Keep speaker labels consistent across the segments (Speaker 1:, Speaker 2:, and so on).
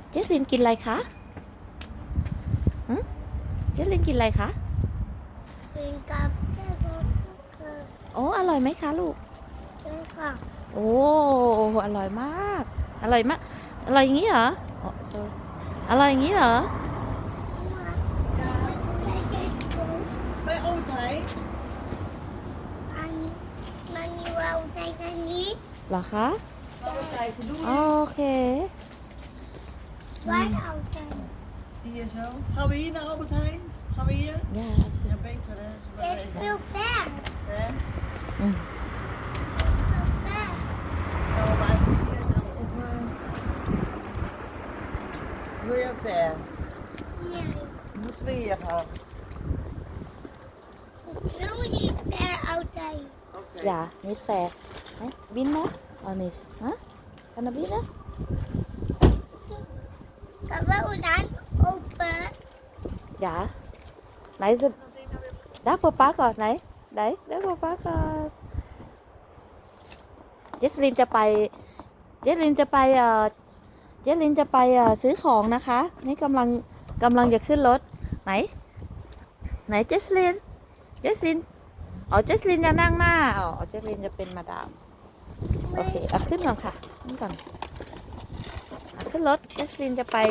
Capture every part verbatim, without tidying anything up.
Speaker 1: เจสลินกินอะไรคะหืมเจสลินกินอะไรคะ
Speaker 2: เป็นกับแม่ก็คือ
Speaker 1: โอ้อร่อยไหมคะลูก
Speaker 2: เป็นค่ะ
Speaker 1: โอ้อร่อยมากอร่อยมากอร่อยอย่างนี้เหรออ๋อ sorry อร่อยอย่างนี้เหรอ
Speaker 3: Bij Oothei.
Speaker 2: อันมันมีวาวใจกันนี้
Speaker 1: เหรอคะ
Speaker 3: Oothei, bedoel
Speaker 1: โอ
Speaker 3: je?
Speaker 1: เค
Speaker 2: ไว้เอาใจ
Speaker 3: Hier zo. Gaan we hier naar Albert Heijn? Gaan we hier?
Speaker 1: ย่า
Speaker 3: Ja, beter hè. Zullen we
Speaker 2: เด็ก
Speaker 3: even-
Speaker 2: ฟิลแฟร์
Speaker 3: Hè?
Speaker 1: อืม
Speaker 2: ฟิลแฟร์
Speaker 3: Gaan we maar even hier gaan. Of uh... wil je ver?
Speaker 2: เนี่ย
Speaker 3: Moeten we hier gaan?
Speaker 2: แล้วมันมีแฟร์เอาใจ
Speaker 3: Oké.
Speaker 1: อย่านิดแฟร์เอ๊ะบินนะเอานิสฮะกันนะบินนะ
Speaker 2: กับว่าอุดันโอเปอร์
Speaker 1: dạ nãy giờ đá bơ báก่อนไหนไหนđá bơ báก่อนเจสลินจะไปเจสลินจะไปเอ่อเจสลินจะไปเอ่อซื้อของนะคะนี่กำลังกำลังจะขึ้นรถไหนไหนเจสลินเจสลินอ๋อเจสลินจะนั่งหน้าอ๋อเจสลินจะเป็นมาดามโอเคเอาขึ้นก่อนค่ะขึ้นก่อนเอาขึ้นรถเจสลินจะไป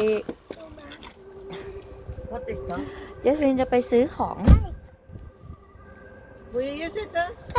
Speaker 3: Wat is dat?
Speaker 1: เจสลินจะไปซื้อของ
Speaker 3: Wil je hier zitten?
Speaker 2: ใช่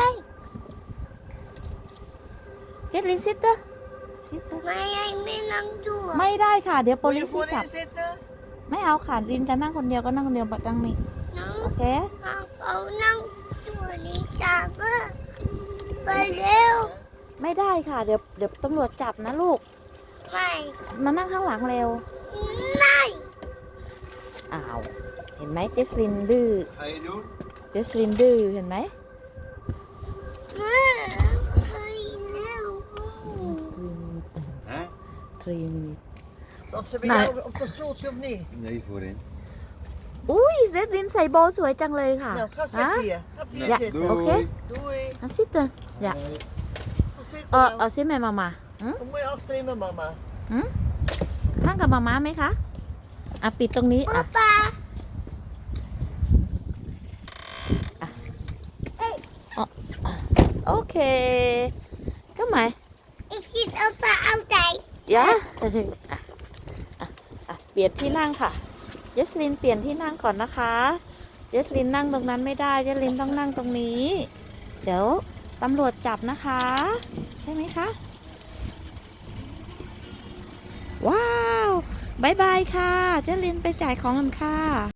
Speaker 1: เจสลินซิตเตอร์ซิตเตอร์
Speaker 2: ไม่ให้ไม่นั่งดูอะ
Speaker 1: ไม่ได้ค่ะ เดี๋ยวโป
Speaker 3: Wil
Speaker 1: ลิ
Speaker 3: je
Speaker 1: สจับ
Speaker 3: voorin zitten?
Speaker 1: ไม่เอาค่ะลินจะนั่งคนเดียวก็นั่งคนเดียวบัดนั่งนี่
Speaker 2: น้อง
Speaker 1: โอเค
Speaker 2: เอาเอานั่งตัวนี้จับอะไปเร็ว
Speaker 1: ไม่ได้ค่ะ เดี๋ยวเดี๋ยวตำรวจจับนะลูก
Speaker 2: ไม่
Speaker 1: มานั่งข้างหลังเร็ว
Speaker 2: ไม่
Speaker 1: อ้าว เห็นไหมเจสลินดื้อ
Speaker 3: Ga je doen?
Speaker 1: เจสลินดื้อเห็นไหม
Speaker 2: ไม่ไปเร็ว
Speaker 3: Hè?
Speaker 1: three minutes
Speaker 3: Dat ze bij
Speaker 1: Nee.
Speaker 3: jou op dat stoeltje of niet?
Speaker 4: Nee, voorin.
Speaker 1: อุ้ยเจสลินใส่โบว์สวยจังเลยค่ะ
Speaker 3: Nou, ga
Speaker 1: ฮะ
Speaker 3: zitten hier. Ga hier
Speaker 1: Ja.
Speaker 3: zitten.
Speaker 1: Oké.
Speaker 4: Doei.
Speaker 3: Doei.
Speaker 1: อ่ะซิเตอร์อย่า
Speaker 3: Ga zitten
Speaker 1: เออ
Speaker 3: nou.
Speaker 1: เอาซิแม่มามาหืม
Speaker 3: Dan moet je achterin met mama.
Speaker 1: หืมนั่งกับมาม่าไหมคะอ่ะปิดตรงนี้
Speaker 2: ป๊า
Speaker 1: อ่ะ
Speaker 2: ป๊า
Speaker 1: โอเคก็หมาย
Speaker 2: อีกทีเอาป๊าเอาใจ
Speaker 1: ยะอ่ะอ่ะอ่ะเปลี่ยนที่นั่งค่ะ เจสลินเปลี่ยนที่นั่งก่อนนะคะ เจสลินนั่งตรงนั้นไม่ได้ เจสลินต้องนั่งตรงนี้ เดี๋ยวตำรวจจับนะคะ ใช่ไหมคะ ว้าวบายบายค่ะ เจสลินไปจ่ายของกันค่ะ